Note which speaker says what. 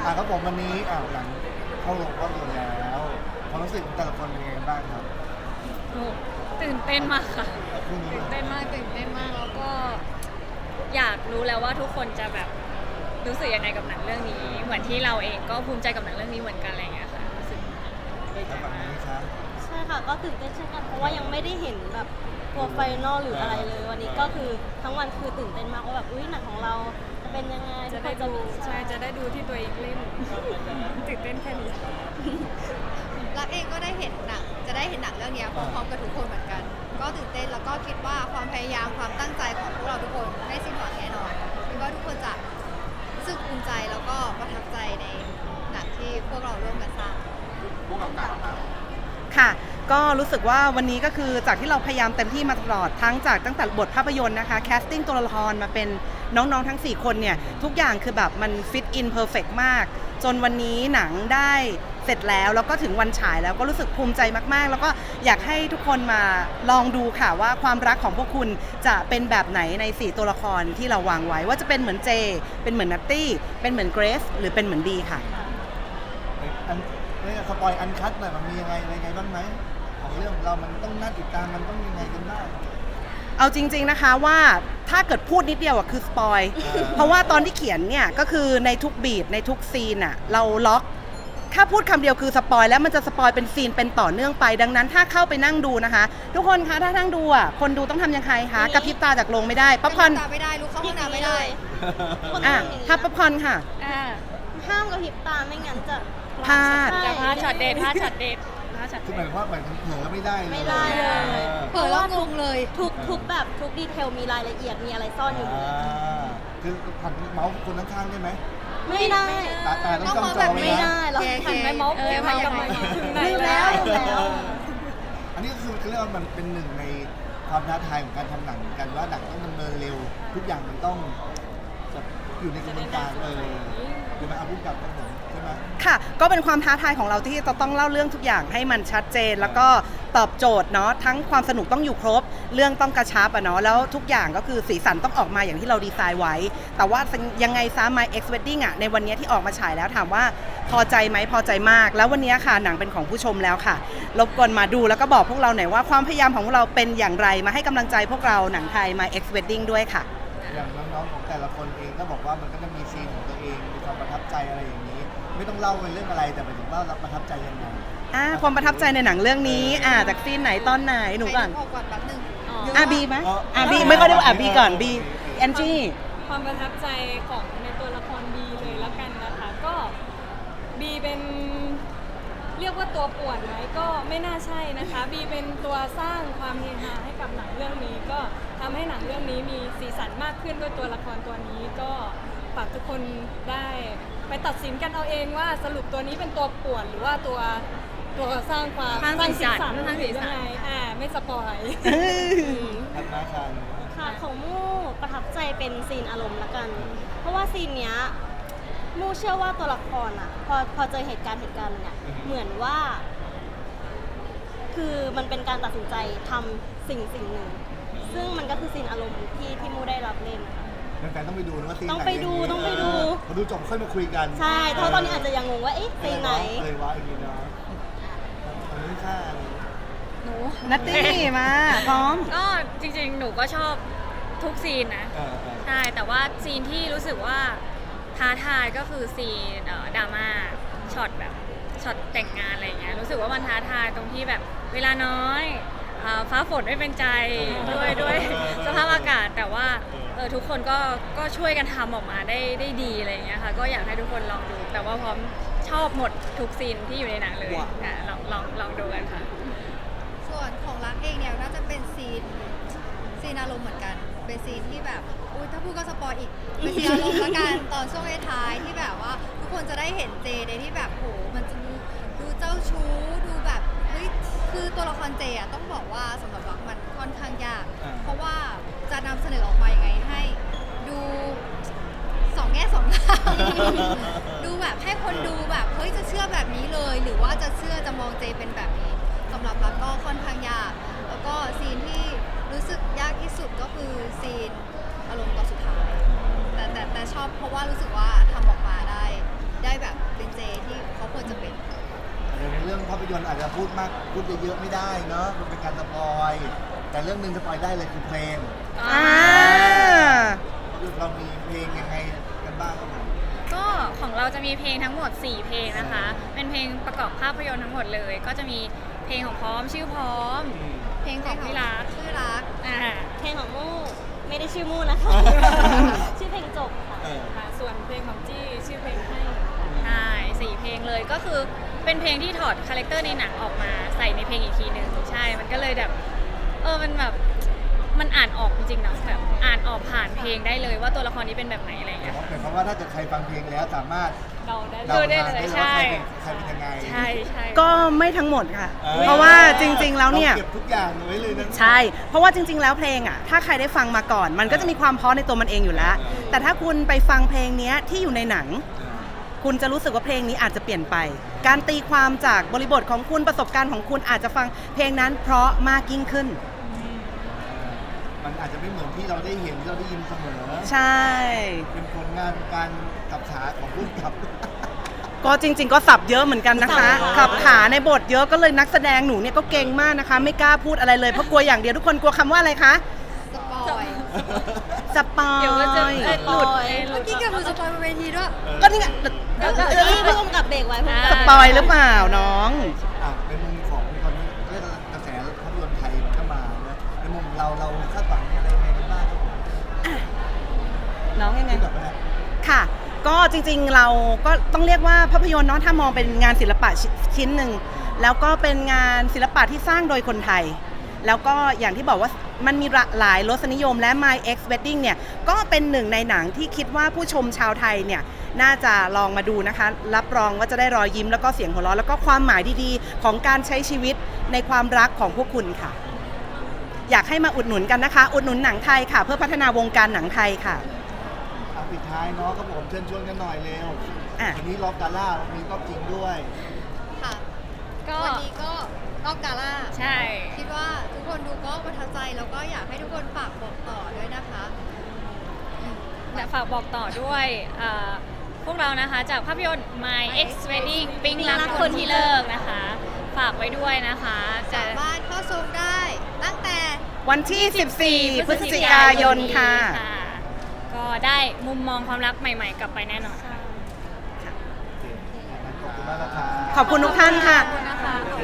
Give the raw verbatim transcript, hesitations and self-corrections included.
Speaker 1: อ่ะครับผมวันนี้อ่ะหลังเข้าโรงภาพยนตร์แล้วความรู้สึกของแต่ละคนเป็นยังไงบ้างครับ
Speaker 2: โอ้ตื่นเต้นมากค่ะ
Speaker 1: พรุ่งนี้
Speaker 2: ตื่นเต้นมากตื่นเต้นมากแล้วก็อยากรู้แล้วว่าทุกคนจะแบบรู้สึกยังไงกับหนังเรื่องนี้ เหมือนที่เราเองก็ภูมิใจกับหนังเรื่องนี้เหมือนกันอะไรอย่างเงี้ยค่ะรู้สึกดีใจ
Speaker 1: แล้วฝั่ง
Speaker 2: มาก
Speaker 1: นี้ครับ
Speaker 3: ใช่ค่ะก็ตื่นเต้นเช่นกันเพราะว่ายังไม่ได้เห็นแบบตัวไฟนอลหรืออะไรเลย วันนี้ก็คือทั้งวันคือตื่นเต้นมากว่าแบบอุ้ยหนังของเราจะเป็นยังไง
Speaker 2: จะได้ดูใช่จะได้ดูที่ตัวเองเล่นตื่นเต้นแค่นี้
Speaker 4: รักเองก็ได้เห็นหนังจะได้เห็นหนังเรื่องนี้พร้อมๆกับทุกคนเหมือนกัน ก็ตื่นเต้นแล้วก็คิดว่าความพยายามความตั้งใจของพวกเราทุกคนไม่สิ้นหวังแน่นอนคิดว่าทุกคนจะรู้สึกภูมิใจแล้วก็ประทับใจในหนังที่พวกเราร่วมกันสร้าง
Speaker 1: ผู้กำกับครับ
Speaker 5: ค่ะก็รู้สึกว่าวันนี้ก็คือจากที่เราพยายามเต็มที่มาตลอดทั้งจากตั้งแต่บทภาพยนตร์นะคะแคสติ้งตัวละครมาเป็นน้องๆทั้งสี่คนเนี่ยทุกอย่างคือแบบมันฟิตอินเพอร์เฟกมากจนวันนี้หนังได้เสร็จแล้วแล้วก็ถึงวันฉายแล้วก็รู้สึกภูมิใจมากๆ แล้วก็อยากให้ทุกคนมาลองดูค่ะว่าความรักของพวกคุณจะเป็นแบบไหนในสี่ตัวละครที่เราวางไว้ว่าจะเป็นเหมือนเจเป็นเหมือนนัตตี้เป็นเหมือนเกรซหรือเป็นเหมือนดีค่ะ
Speaker 1: อันนี่สปอยอันคัดหน่อยมันมียังไงอะไรไงบ้างไหมของเรื่องเรามันต้องน่าติดตามมันต้องยังไงกันบ้าง
Speaker 5: เอาจริงๆนะคะว่าถ้าเกิดพูดนิดเดียวอะคือสปอย
Speaker 1: เออ
Speaker 5: เพราะว่าตอนที่เขียนเนี่ยก็คือในทุกบีทในทุกซีนอะเราล็อกถ้าพูดคำเดียวคือสปอยแล้วมันจะสปอยเป็นซีนเป็นต่อเนื่องไปดังนั้นถ้าเข้าไปนั่งดูนะคะ ทุกคนคะถ้านั่งดูอะคนดูต้องทำยังไงคะกระพริบตาจากโรงไม่ได้ป๊อปคอร์น
Speaker 4: ตาไม่ได้ลุกเข้าห้องน้ำไม่ได้
Speaker 3: คน
Speaker 5: อ่ะ
Speaker 3: ต้องอย่างนี้
Speaker 5: ถ้าป๊อปคอร์นค่ะ
Speaker 2: อ่า
Speaker 3: ห้ามกระพริบตาไม่งั้นจะ
Speaker 5: พลาด
Speaker 2: จะพลาดช็อตเด็ดพลาดช็อตเด็ดพลาดช็อต
Speaker 1: คือห
Speaker 2: เด็
Speaker 1: มาย
Speaker 2: ด
Speaker 1: ความว่าเหมือนเผลอไม่ได้เลย
Speaker 3: ไม่ได้เลย
Speaker 4: เปิดแล้วงงเลย
Speaker 3: ทุกทุกแบบทุกดีเทลมีรายละเอียดมีอะไรซ่อนอยู่
Speaker 1: อ่าคือผันเมาส์คนข้างๆได้ไหม
Speaker 3: ไม่ได้
Speaker 1: ตาตาต้องจ้องจอ
Speaker 4: ต้อง
Speaker 1: ไว้
Speaker 3: ไม่
Speaker 1: นะ
Speaker 3: ได้เรา
Speaker 4: แก
Speaker 2: หันไปเมาส์
Speaker 4: เออ
Speaker 2: เออหันกลับมา
Speaker 4: ยังไง
Speaker 2: ถึงไหน
Speaker 3: ลืม
Speaker 2: แล้
Speaker 3: แล้ว วลืมแล้ว
Speaker 1: อันนี้คือคือเรียกว่ามันเป็นหนึ่งในความท้าทายของการทำหนังเหมือนกันว่าหนังต้องดำเนินเร็ว ทุกอย่างมันต้องแบบอยู่ในกระบวนการเออหรือมันเอาพูดกับกันผมใช่ไหม
Speaker 5: ค่ะก็เป็นความท้าทายของเราที่จะต้องเล่าเรื่องทุกอย่างให้มันชัดเจน แล้วก็ตอบโจทย์เนาะทั้งความสนุกต้องอยู่ครบ เรื่องต้องกระชับอะเนาะแล้วทุกอย่างก็คือสีสันต้องออกมาอย่างที่เราดีไซน์ไว้ แต่ว่ายังไงซะ My Ex Wedding อะในวันนี้ที่ออกมาฉายแล้วถามว่าพอใจไหมพอใจมาก แล้ววันนี้ค่ะหนังเป็นของผู้ชมแล้วค่ะรบกวนมาดูแล้วก็บอกพวกเราหน่อยว่าความพยายามของพวกเราเป็นอย่างไรมาให้กำลังใจพวกเราหนังไทย My Ex Wedding ด้วยค่ะ
Speaker 1: อย่างน้องๆของแต่ละคนเองก็บอกว่ามันก็จะมีซีนของตัวเองมีความประทับใจอะไรอย่างนี้ ไม่ต้องเล่าเป็นเรื่องอะไรแต่หมายถึงว่าเราประทับใจยังไง
Speaker 5: อ่าความประทับใจในหนังเรื่องนี้อ่าจากซีนไหนตอนไหนหนูก่อน
Speaker 4: ไปดูก่อนแป๊บนึง
Speaker 5: อ่ะบีไหม
Speaker 1: อ๋ออ่
Speaker 5: อ่ะบีไม่ค่อยได้อ่ะบีก่อนบีแอนจี้
Speaker 2: ความประทับใจของในตัวละครบีเลยแล้วกันนะคะ ก็บีเป็นเรียกว่าตัวป่วนไหมก็ไม่น่าใช่นะคะบีเป็นตัวสร้างความเฮฮาให้กับหนังเรื่องนี้ ก็ทำให้หนังเรื่องนี้มีสีสันมากขึ้นด้วยตัวละครตัวนี้ ก็ฝากทุกคนได้ไปตัดสินกันเอาเองว่าสรุปตัวนี้เป็นตัวป่วนหรือว่าตัวตัวสร้างความ
Speaker 6: สร้างสีสันสร้างสีสัน
Speaker 2: ยังไงอ่าไม่สปอย
Speaker 1: ทัดมาคัน
Speaker 3: ค่ะของมู่ประทับใจเป็นซีนอารมณ์ละกัน เพราะว่าซีนเนี้ยมู่เชื่อว่าตัวละครอ่ะพอพอเจอเหตุการณ์เหตุการณ์เนี่ยเหมือนว่า คือมันเป็นการตัดสินใจทำสิ่งสิ่งหนึ่ง ซึ่งมันก็คือซีนอารมณ์ที่ที่มู่ได้รับเล่นนะคะ
Speaker 1: แฟนๆต้องไปดูนะว่าซีนไหน
Speaker 3: ต้องไปดูต้องไปดู
Speaker 1: พอดูจบค่อยมาคุยกัน
Speaker 3: ใช่เพราะตอนนี้อาจจะยังงงว่าเอ๊ะซีนไหน
Speaker 1: อะไรวะอีกทีเนาะอันนี้ค่า
Speaker 2: หนู
Speaker 5: นัตตี้มาพร้อม
Speaker 6: ก็จริงๆ หนูก็ชอบทุกซีนนะ
Speaker 1: เออเออ
Speaker 6: ใช่ แต่ว่าซีนที่รู้สึกว่าท้าทายก็คือซีนเอ่อดราม่าช็อตแบบช็อตแต่งงานอะไรอย่างเงี้ยรู้สึกว่ามันท้าทายตรงที่แบบเวลาน้อยเอ่อฟ้าฝนไม่เป็นใจด้วยด้วยสภาพอากาศแต่ว่าเออทุกคนก็ก็ช่วยกันทำออกมาได้ได้ดีอะไรอย่างเงี้ยค่ะก็อยากให้ทุกคนลองดู แต่ว่าพร้อมชอบหมดทุกซีนที่อยู่ในหนังเลยอ่ะลองลองลองดูกันค่ะ
Speaker 4: ส่วนของรักเองเนี่ยน่าจะเป็นซีนซีนอารมณ์เหมือนกัน เป็นซีนที่แบบอุ้ยถ้าพูดก็สปอยอีกเป็นซีนอารมณ์ละกันตอนช่วงท้ายๆที่แบบว่าทุกคนจะได้เห็นเจในที่แบบโหมันจะดูดูเจ้าชู้ดูแบบเฮ้ยคือตัวละครเจอะต้องบอกว่าสำหรับรักมันค่อนข้างยาก เพราะว่าจะนำเสนอออกมายังไงให้ดูสองแง่สองงาม ดูแบบให้คนดูแบบเฮ้ยจะเชื่อแบบนี้เลย หรือว่าจะเชื่อจะมองเจเป็นแบบนี้สำหรับรักก็ค่อนข้างยาก แล้วก็ซีนที่รู้สึกยากที่สุดก็คือซีนอารมณ์ตอนสุดท้ายแต่แต่แต่ชอบเพราะว่ารู้สึกว่าทำออกมาได้ได้แบบ
Speaker 1: ยนตร์อาจจะพูดมากพูดเยอะๆไม่ได้เนาะมันเป็นการสปอยแต่เรื่องหนึ่งสปอยได้เลยคือเพลง
Speaker 5: อ่า
Speaker 1: เรามีเพลงยังไงกันบ้างครับผม
Speaker 6: ก็ของเราจะมีเพลงทั้งหมด สี่ เพลงนะคะ เป็นเพลงประกอบภาพยนตร์ทั้งหมดเลย ก็จะมีเพลงของพร้อมชื่อพร้อม เพลงของที่รัก
Speaker 4: ชื่อรัก
Speaker 6: อ่า
Speaker 3: เพลงของมู่ไม่ได้ชื่อมู่นะคะ ชื่อเพลงจบค่ะ
Speaker 1: เออ
Speaker 2: ค่ะส่วนเพลงของจี้ชื่อเพลงให้
Speaker 6: ใช่สี่เพลงเลยก็คือเป็นเพลงที่ถอดคาแรคเตอร์ในหนังออกมาใส่ในเพลงอีกทีหนึ่งใช่ มันก็เลยแบบเออมันแบบมันอ่านออกจริงๆนะแบบอ่านออกผ่านเพลงได้เลยว่าตัวละครนี้เป็นแบบไหนอะไรอย่างเงี้ย
Speaker 1: หมายความว่าถ้าเกิดใครฟังเพลงแล้วสามารถ
Speaker 2: เราได้
Speaker 1: เดา
Speaker 6: ดูได้
Speaker 1: ทาง
Speaker 6: เลย
Speaker 1: ได้
Speaker 6: ใช่
Speaker 1: ว่าใครเป็นใครเป็นยังไง
Speaker 6: ใช่ใช่
Speaker 5: ก็ไม่ทั้งหมดค่ะ
Speaker 1: ออ
Speaker 5: เพราะว่าจริง ๆ แล้วเนี่ย
Speaker 1: ราเก็บทุกอย่างไว้เลยนะ
Speaker 5: ใช่ เพราะว่าจริง ๆ แล้วเพลงอ่ะ ถ้าใครได้ฟังมาก่อน มันก็จะมีความเพราะในตัวมันเองอยู่แล้ว แต่ถ้าคุณไปฟังเพลงเนี้ยที่อยู่ในหนัง คุณจะรู้สึกว่าเพลงนี้อาจจะเปลี่ยนไป การตีความจากบริบทของคุณประสบการณ์ของคุณอาจจะฟังเพลงนั้นเพราะมากยิ่งขึ้น
Speaker 1: มันอาจจะไม่เหมือนที่เราได้เห็นที่เราได้ยินเสมอ
Speaker 5: ใช่
Speaker 1: เป็นผลงานการกับขาของผู้กำกับ
Speaker 5: ก็จริง ๆ ก็สับเยอะเหมือนกันนะคะ
Speaker 3: สับเยอะ
Speaker 5: ขับขาในบทเยอะก็เลยนักแสดงหนูเนี่ยก็เก่งมากนะคะ ไม่กล้าพูดอะไรเลยเพราะกลัวอย่างเดียวทุกคนกลัวคำว่าอะไรคะ
Speaker 4: สปอย
Speaker 5: สปอย
Speaker 6: เดี๋ยวก็จะเอ้ยหลุด
Speaker 3: สปอย
Speaker 6: เอ้ยหลุ
Speaker 4: เมื่อ
Speaker 6: ด
Speaker 4: กี้เกับมือสปอยบนเวทีด้วย
Speaker 5: ก็นี่ไง
Speaker 3: แล้วก็นี่ผู้กำกับเบรกไว้ผู้กำ
Speaker 5: ส
Speaker 3: กับ
Speaker 5: ปอยหรือเปล่าน้อง
Speaker 1: อ่ะในมุมของตอนนี้เรียกกระแสภาพยนตร์ไทยมันก็มานะในมุมเราเราคาดหวังอะไรยังไงกันบ้างครับผม
Speaker 5: น้องยังไง
Speaker 1: ที่แบบว่า
Speaker 5: ค่ะ ก็จริงๆเราก็ต้องเรียกว่าภาพยนตร์เนาะถ้ามองเป็นงานศิลปะชิ้นหนึ่งแล้วก็เป็นงานศิลปะที่สร้างโดยคนไทย แล้วก็อย่างที่บอกว่ามันมีหลายรสนิยมและ My Ex Wedding เนี่ยก็เป็นหนึ่งในหนังที่คิดว่าผู้ชมชาวไทยเนี่ยน่าจะลองมาดูนะคะ รับรองว่าจะได้รอยยิ้มแล้วก็เสียงหัวเราะแล้วก็ความหมายดีๆ ของการใช้ชีวิตในความรักของพวกคุณค่ะ อยากให้มาอุดหนุนกันนะคะ อุดหนุนหนังไทยค่ะ เพื่อพัฒนาวงการหนังไทยค่ะ
Speaker 1: อ่ะปิดท้ายเนาะครับผมเชิญชวนกันหน่อยเร็ว
Speaker 5: อ่ะ
Speaker 1: วันนี้รอบกาล่ามีรอบจริงด้วย
Speaker 4: ค่ะ
Speaker 6: ก็
Speaker 4: วันนี้ก็รอบกาล่า
Speaker 6: ใช่
Speaker 4: คิดว่าทุกคนดูก็ประทับใจแล้วก็อยากให้ทุกคนฝากบอกต่อด้วยนะคะอืม
Speaker 6: และฝากบอกต่อด้วยเอ่อพวกเรานะคะจากภาพยนตร์ My Ex Wedding ปิ๊งรักคนที่เลิกนะคะ ฝากไว้ด้วยนะคะจะ
Speaker 4: สามารถเข้าชมได้ตั้งแต่
Speaker 5: วันที่ สิบสี่ พฤศจิกายนค่ะ
Speaker 6: ก็ได้มุมมองความรักใหม่ๆ กลับไปแน่นอนค่ะ
Speaker 1: ขอบคุณมากนะครับ
Speaker 5: ขอบคุณทุกท่านค่ะ
Speaker 6: ขอบคุณนะคะ